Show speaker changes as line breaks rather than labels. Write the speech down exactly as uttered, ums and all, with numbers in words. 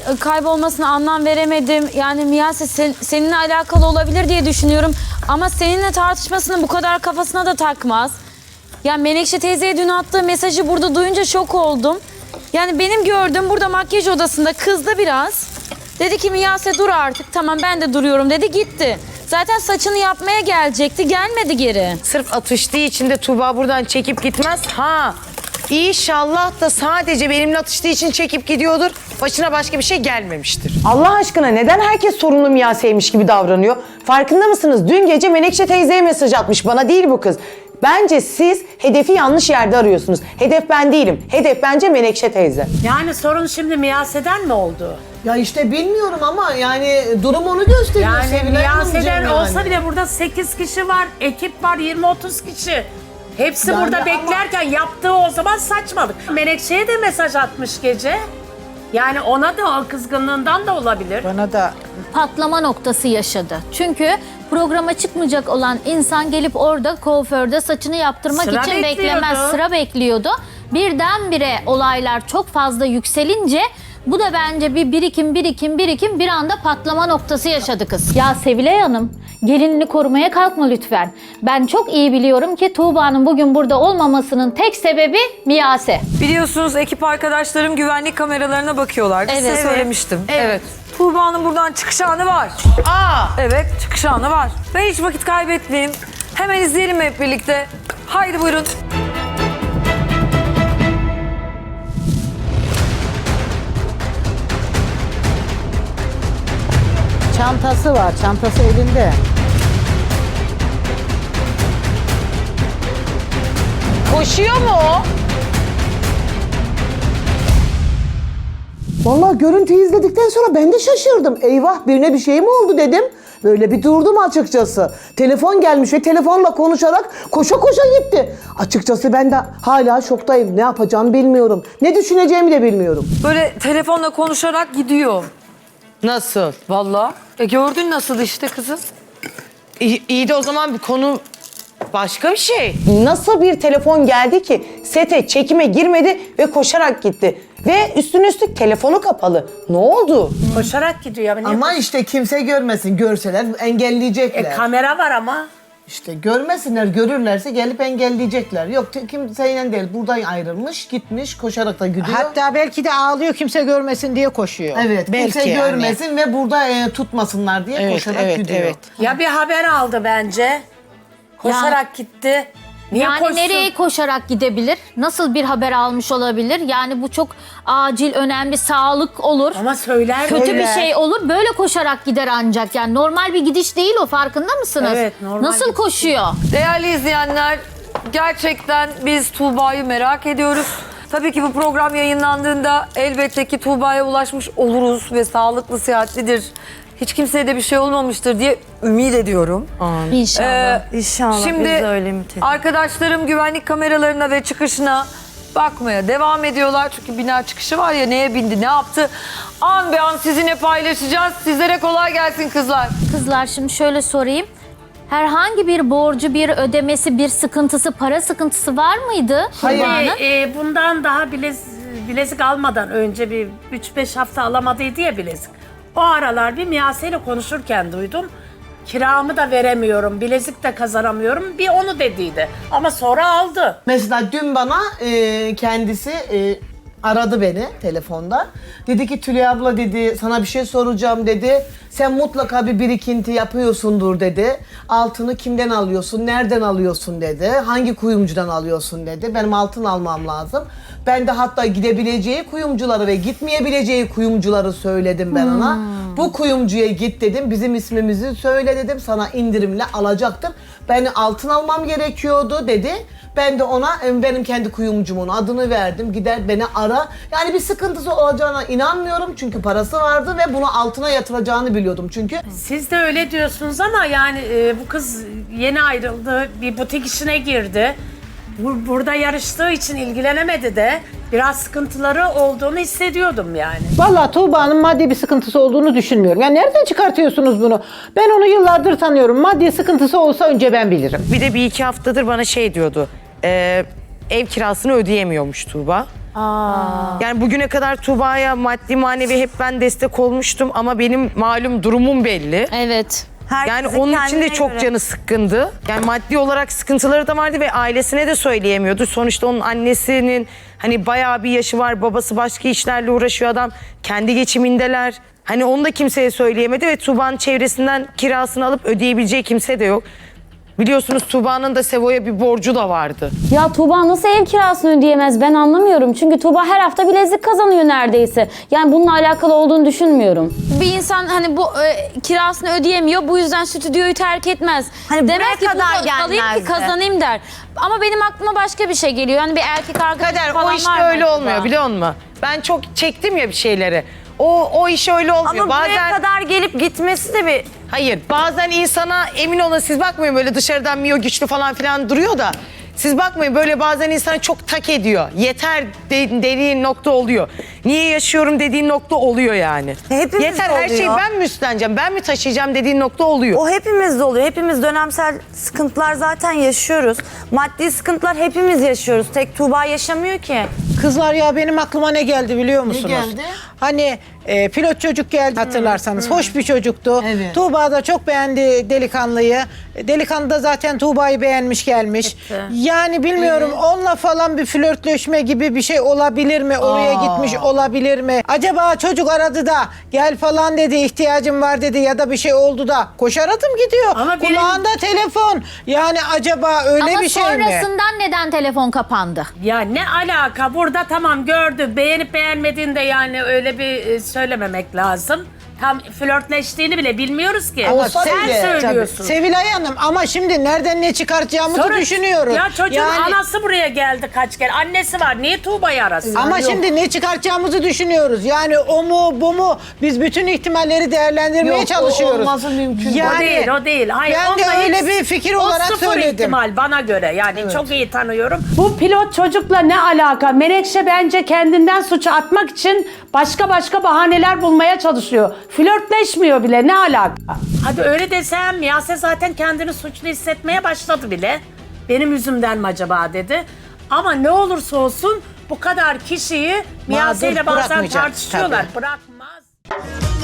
kaybolmasına anlam veremedim. Yani Miyase sen, seninle alakalı olabilir diye düşünüyorum. Ama seninle tartışmasını bu kadar kafasına da takmaz. Ya Menekşe teyzeye dün attığı mesajı burada duyunca şok oldum. Yani benim gördüğüm burada makyaj odasında kızdı biraz. Dedi ki Miyase dur artık, tamam ben de duruyorum dedi, gitti. Zaten saçını yapmaya gelecekti, gelmedi geri.
Sırf atıştığı için de Tuğba buradan çekip gitmez. Ha, İnşallah da sadece benimle atıştığı için çekip gidiyordur. Başına başka bir şey gelmemiştir. Allah aşkına neden herkes sorunlu Miyase'ymiş gibi davranıyor? Farkında mısınız? Dün gece Menekşe teyzeye mesaj atmış. Bana değil bu kız. Bence siz hedefi yanlış yerde arıyorsunuz. Hedef ben değilim. Hedef bence Menekşe teyze.
Yani sorun şimdi Miyase'den mi oldu?
Ya işte bilmiyorum ama yani durum onu gösteriyor.
Yani
Sevilay
Miyase'den
Hanımcığım
olsa
yani.
bile burada sekiz kişi var, ekip var, yirmi otuz kişi. Hepsi
Ben
burada
de ama-
beklerken yaptığı o zaman saçmalık. Menekşe'ye de mesaj atmış gece. Yani ona da o kızgınlığından da olabilir.
Bana da
Patlama noktası yaşadı. Çünkü programa çıkmayacak olan insan gelip orada kuaförde saçını yaptırmak
Sıra
için
bekliyordu.
beklemez, sıra bekliyordu. Birdenbire olaylar çok fazla yükselince bu da bence bir birikim, birikim, birikim bir anda patlama noktası yaşadı kız. Ya Sevilay Hanım, gelinini korumaya kalkma lütfen. Ben çok iyi biliyorum ki Tuğba'nın bugün burada olmamasının tek sebebi Miyase.
Biliyorsunuz ekip arkadaşlarım güvenlik kameralarına bakıyorlar. Size
Evet.
söylemiştim.
Evet.
Tuğba'nın buradan çıkış anı var.
Aa!
Evet, çıkış anı var. Ben hiç vakit kaybetmeyeyim. Hemen izleyelim hep birlikte. Haydi buyurun.
çantası var, çantası elinde.
Koşuyor mu o?
Vallahi görüntüyü izledikten sonra ben de şaşırdım. Eyvah birine bir şey mi oldu dedim. Böyle bir durdum açıkçası. Telefon gelmiş ve telefonla konuşarak koşa koşa gitti. Açıkçası ben de hala şoktayım. Ne yapacağımı bilmiyorum. Ne düşüneceğimi de bilmiyorum.
Böyle telefonla konuşarak gidiyor.
Nasıl?
Vallahi. E gördün nasıl işte kızım.
İyi, iyi de o zaman bir konu başka bir şey. Nasıl bir telefon geldi ki sete çekime girmedi ve koşarak gitti? Ve üstüne üstlük telefonu kapalı. Ne oldu?
Koşarak gidiyor. Niye
Ama işte kimse görmesin. Görseler engelleyecekler.
E, kamera var ama.
İşte görmesinler, görürlerse gelip engelleyecekler. Yok kimseyle değil. Buradan ayrılmış, gitmiş, koşarak da gidiyor.
Hatta belki de ağlıyor kimse görmesin diye koşuyor.
Evet,
belki
kimse
yani.
görmesin ve burada e, tutmasınlar diye
Evet,
koşarak
evet,
gidiyor.
evet.
Ya bir haber aldı bence. Koşarak gitti. Niye
yani
koşsun?
nereye koşarak gidebilir? Nasıl bir haber almış olabilir? Yani bu çok acil, önemli, sağlık olur.
Ama söyler
Kötü
mi?
bir şey olur. Böyle koşarak gider ancak. Yani normal bir gidiş değil o, farkında mısınız?
Evet, normal
Nasıl
gidiş.
koşuyor?
Değerli izleyenler, gerçekten biz Tuğba'yı merak ediyoruz. Tabii ki bu program yayınlandığında elbette ki Tuğba'ya ulaşmış oluruz ve sağlıklı, sıhhatlidir. Hiç kimseye de bir şey olmamıştır diye ümit ediyorum.
İnşallah.
Ee,
İnşallah
Şimdi
biz de öyle ümit ediyoruz.
arkadaşlarım güvenlik kameralarına ve çıkışına bakmaya devam ediyorlar. Çünkü bina çıkışı var ya, neye bindi, ne yaptı? An be an sizinle paylaşacağız. Sizlere kolay gelsin kızlar.
Kızlar şimdi şöyle sorayım. Herhangi bir borcu, bir ödemesi, bir sıkıntısı, para sıkıntısı var mıydı?
Hayır.
Tuğba'nın?
E, e, bundan daha bilez, bilezik almadan önce bir üç beş hafta alamadıydı ya bilezik. O aralar bir Miyase ile konuşurken duydum. Kiramı da veremiyorum, bilezik de kazanamıyorum. Bir onu dediydi. Ama sonra aldı.
Mesela dün bana e, kendisi e, aradı beni telefonda. Dedi ki Tülay abla dedi sana bir şey soracağım dedi. Sen mutlaka bir birikinti yapıyorsundur dedi. Altını kimden alıyorsun, nereden alıyorsun dedi. Hangi kuyumcudan alıyorsun dedi. Benim altın almam lazım. Ben de hatta gidebileceği kuyumcuları ve gitmeyebileceği kuyumcuları söyledim ben ona. Bu kuyumcuya git dedim. Bizim ismimizi söyle dedim. Sana indirimle alacaktır. Ben altın almam gerekiyordu dedi. Ben de ona benim kendi kuyumcumun adını verdim. Gider beni ara. Yani bir sıkıntısı olacağına inanmıyorum. Çünkü parası vardı ve bunu altına yatıracağını biliyordum çünkü.
Siz de öyle diyorsunuz ama yani e, bu kız yeni ayrıldı, bir butik işine girdi. Bu, burada yarıştığı için ilgilenemedi de biraz sıkıntıları olduğunu hissediyordum yani.
Vallahi Tuğba'nın maddi bir sıkıntısı olduğunu düşünmüyorum. Ya nereden çıkartıyorsunuz bunu? Ben onu yıllardır tanıyorum. Maddi sıkıntısı olsa önce ben bilirim.
Bir de bir iki haftadır bana şey diyordu. e, ev kirasını ödeyemiyormuş Tuğba. Yani bugüne kadar Tuğba'ya maddi manevi hep ben destek olmuştum ama benim malum durumum belli.
Evet.
Yani onun için de çok canı sıkkındı. Yani maddi olarak sıkıntıları da vardı ve ailesine de söyleyemiyordu. Sonuçta onun annesinin hani bayağı bir yaşı var. Babası başka işlerle uğraşıyor adam. Kendi geçimindeler. Hani onu da kimseye söyleyemedi ve Tuğba'nın çevresinden kirasını alıp ödeyebileceği kimse de yok. Biliyorsunuz Tuğba'nın da Sevo'ya bir borcu da vardı.
Ya Tuğba nasıl ev kirasını ödeyemez ben anlamıyorum. Çünkü Tuğba her hafta bilezik kazanıyor neredeyse. Yani bununla alakalı olduğunu düşünmüyorum. Bir insan hani bu e, kirasını ödeyemiyor bu yüzden stüdyoyu terk etmez.
Hani
Demek
buraya
ki
kadar
burada kalayım ki
gelmezdi.
kazanayım der. Ama benim aklıma başka bir şey geliyor. Hani bir erkek arkadaş
Kader
falan
o
var
işte
mı
öyle
acaba?
olmuyor biliyor musun? Ben çok çektim ya bir şeyleri. O o iş öyle olmuyor.
Ama buraya
Bazen
kadar gelip gitmesi de bir...
hayır bazen insana emin olun siz bakmayın böyle dışarıdan Mio güçlü falan filan duruyor da siz bakmayın böyle bazen insana çok tak ediyor. Yeter de, dediğin nokta oluyor. Niye yaşıyorum dediğin nokta oluyor yani.
Hepimiz
Yeter
de
her şeyi
oluyor.
ben mi üstleneceğim ben mi taşıyacağım dediğin nokta oluyor.
O hepimizde oluyor. Hepimiz dönemsel sıkıntılar zaten yaşıyoruz. Maddi sıkıntılar hepimiz yaşıyoruz. Tek Tuğba yaşamıyor ki.
Kızlar ya benim aklıma ne geldi biliyor musunuz?
geldi?
Hani e, pilot çocuk geldi hatırlarsanız. Hoş bir çocuktu.
Evet.
Tuğba da çok beğendi delikanlıyı. Delikanlı da zaten Tuğba'yı beğenmiş gelmiş. Yani bilmiyorum onunla falan bir flörtleşme gibi bir şey olabilir mi? Oraya gitmiş olabilir mi? Acaba çocuk aradı da gel falan dedi ihtiyacım var dedi ya da bir şey oldu da koşar adım gidiyor.
Ama benim-
Kulağında telefon. Yani acaba öyle
Ama
bir şey mi?
sonrasından neden telefon kapandı?
Ya ne alaka? Burada tamam gördü. Beğenip beğenmediğinde yani öyle bir e, söylememek lazım. Tam flörtleştiğini bile bilmiyoruz ki.
Ama
Sen
Sevilay-
söylüyorsun.
Tabii. Sevilay Hanım ama şimdi nereden ne çıkartacağımızı
Sonra-
düşünüyoruz.
Ya çocuğun
Yani-
anası buraya geldi kaç kere. Annesi var. Niye Tuğba'yı arasın?
Ama şimdi ne çıkartacağımızı düşünüyoruz. Yani o mu bu mu biz bütün ihtimalleri değerlendirmeye
Yok, o
çalışıyoruz.
olması mümkün değil.
O değil, o değil. Hayır,
ben de
onda
öyle
hiç-
bir fikir
o
olarak
sıfır
söyledim.
ihtimal bana göre. Yani çok iyi tanıyorum.
Bu pilot çocukla ne alaka? Menekşe bence kendinden suçu atmak için başka başka bahaneler bulmaya çalışıyor. Flörtleşmiyor bile, ne alaka?
Hadi öyle desem Miyase zaten kendini suçlu hissetmeye başladı bile. Benim yüzümden mi acaba dedi. Ama ne olursa olsun bu kadar kişiyi Miyase ile bazen
bırakmayacak,
tartışıyorlar.
tabii.
Bırakmaz.